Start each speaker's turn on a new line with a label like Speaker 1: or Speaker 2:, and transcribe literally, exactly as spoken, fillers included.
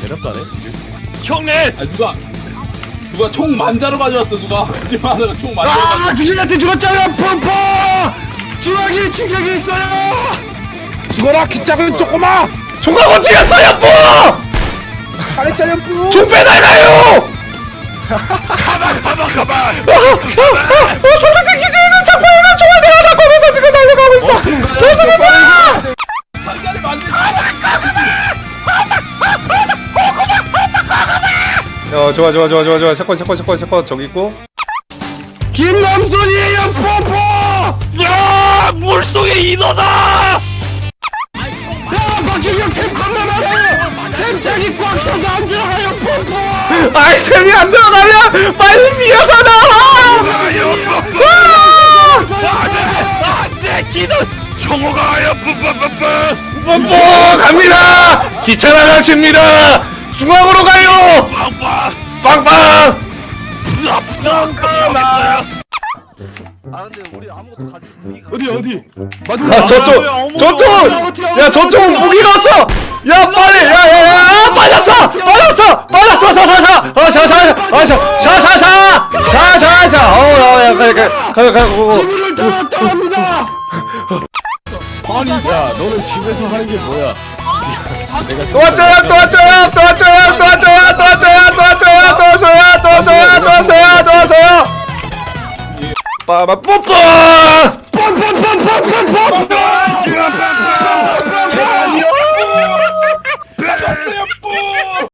Speaker 1: 대답도 안 해?
Speaker 2: 형님!
Speaker 3: 아 누가 누가 총 만자로 가져왔어 누가 하지마 하다가 총 만자로
Speaker 1: 아
Speaker 3: 가져.
Speaker 1: 주진이한테 죽었잖아 펌퍼! 중앙에 충격이 있어요!
Speaker 4: 죽어라 키 작은 조꼬마.
Speaker 5: 총각 어디 갔어 야뿌!
Speaker 4: 잘했잖아 뿌.
Speaker 5: 총 빼달라요!
Speaker 2: 가만 가만 가만!
Speaker 5: 어, 소리듣기 전에는 장판에는 총알 내가 다 꺼내서 지금 날려가고 있어. 무슨 거야?
Speaker 3: 만자를 만들지.
Speaker 5: 야 좋아 좋아 좋아 좋아 좋아 샷건 샷건 샷건 샷건 저기 있고.
Speaker 1: 김남순이에요 펌퍼!
Speaker 2: 야! 물속의 인어다!
Speaker 1: 야 박준영 템 겁나 많아요! 템장이 꽉 차서 안 들어가요 펌퍼!
Speaker 5: 아이템이 안 들어가면 빨리 비어서 나와!
Speaker 2: 안돼! 기는 정호가요! 뿌뿌뿌뿌!
Speaker 5: 뽀뽀 갑니다! 기차 나가십니다! 중앙으로 가요!
Speaker 2: 빵빵!
Speaker 5: 빵빵!
Speaker 2: 부담부담! 여기있어요!
Speaker 1: 어디 어디?
Speaker 5: 아 저쪽 저쪽! 야 저쪽 무기가 없어! 야 빨리! 야야야 빠졌어! 빠졌어! 빠졌어! 사사사! 어샤샤샤샤샤샤샤! 샤샤샤! 어야 가야 가야 가야 가야
Speaker 1: 지문을 따라 떠납니다! 아니 야 너는 집에서 하는 게 뭐야?
Speaker 5: 또 왔죠요 또 왔죠요 또 왔죠요 또 왔죠요 또 왔죠요 또 왔죠요 또 왔어요 또 왔어요 또 왔어요 또 왔어요 빠바 뽀뽀!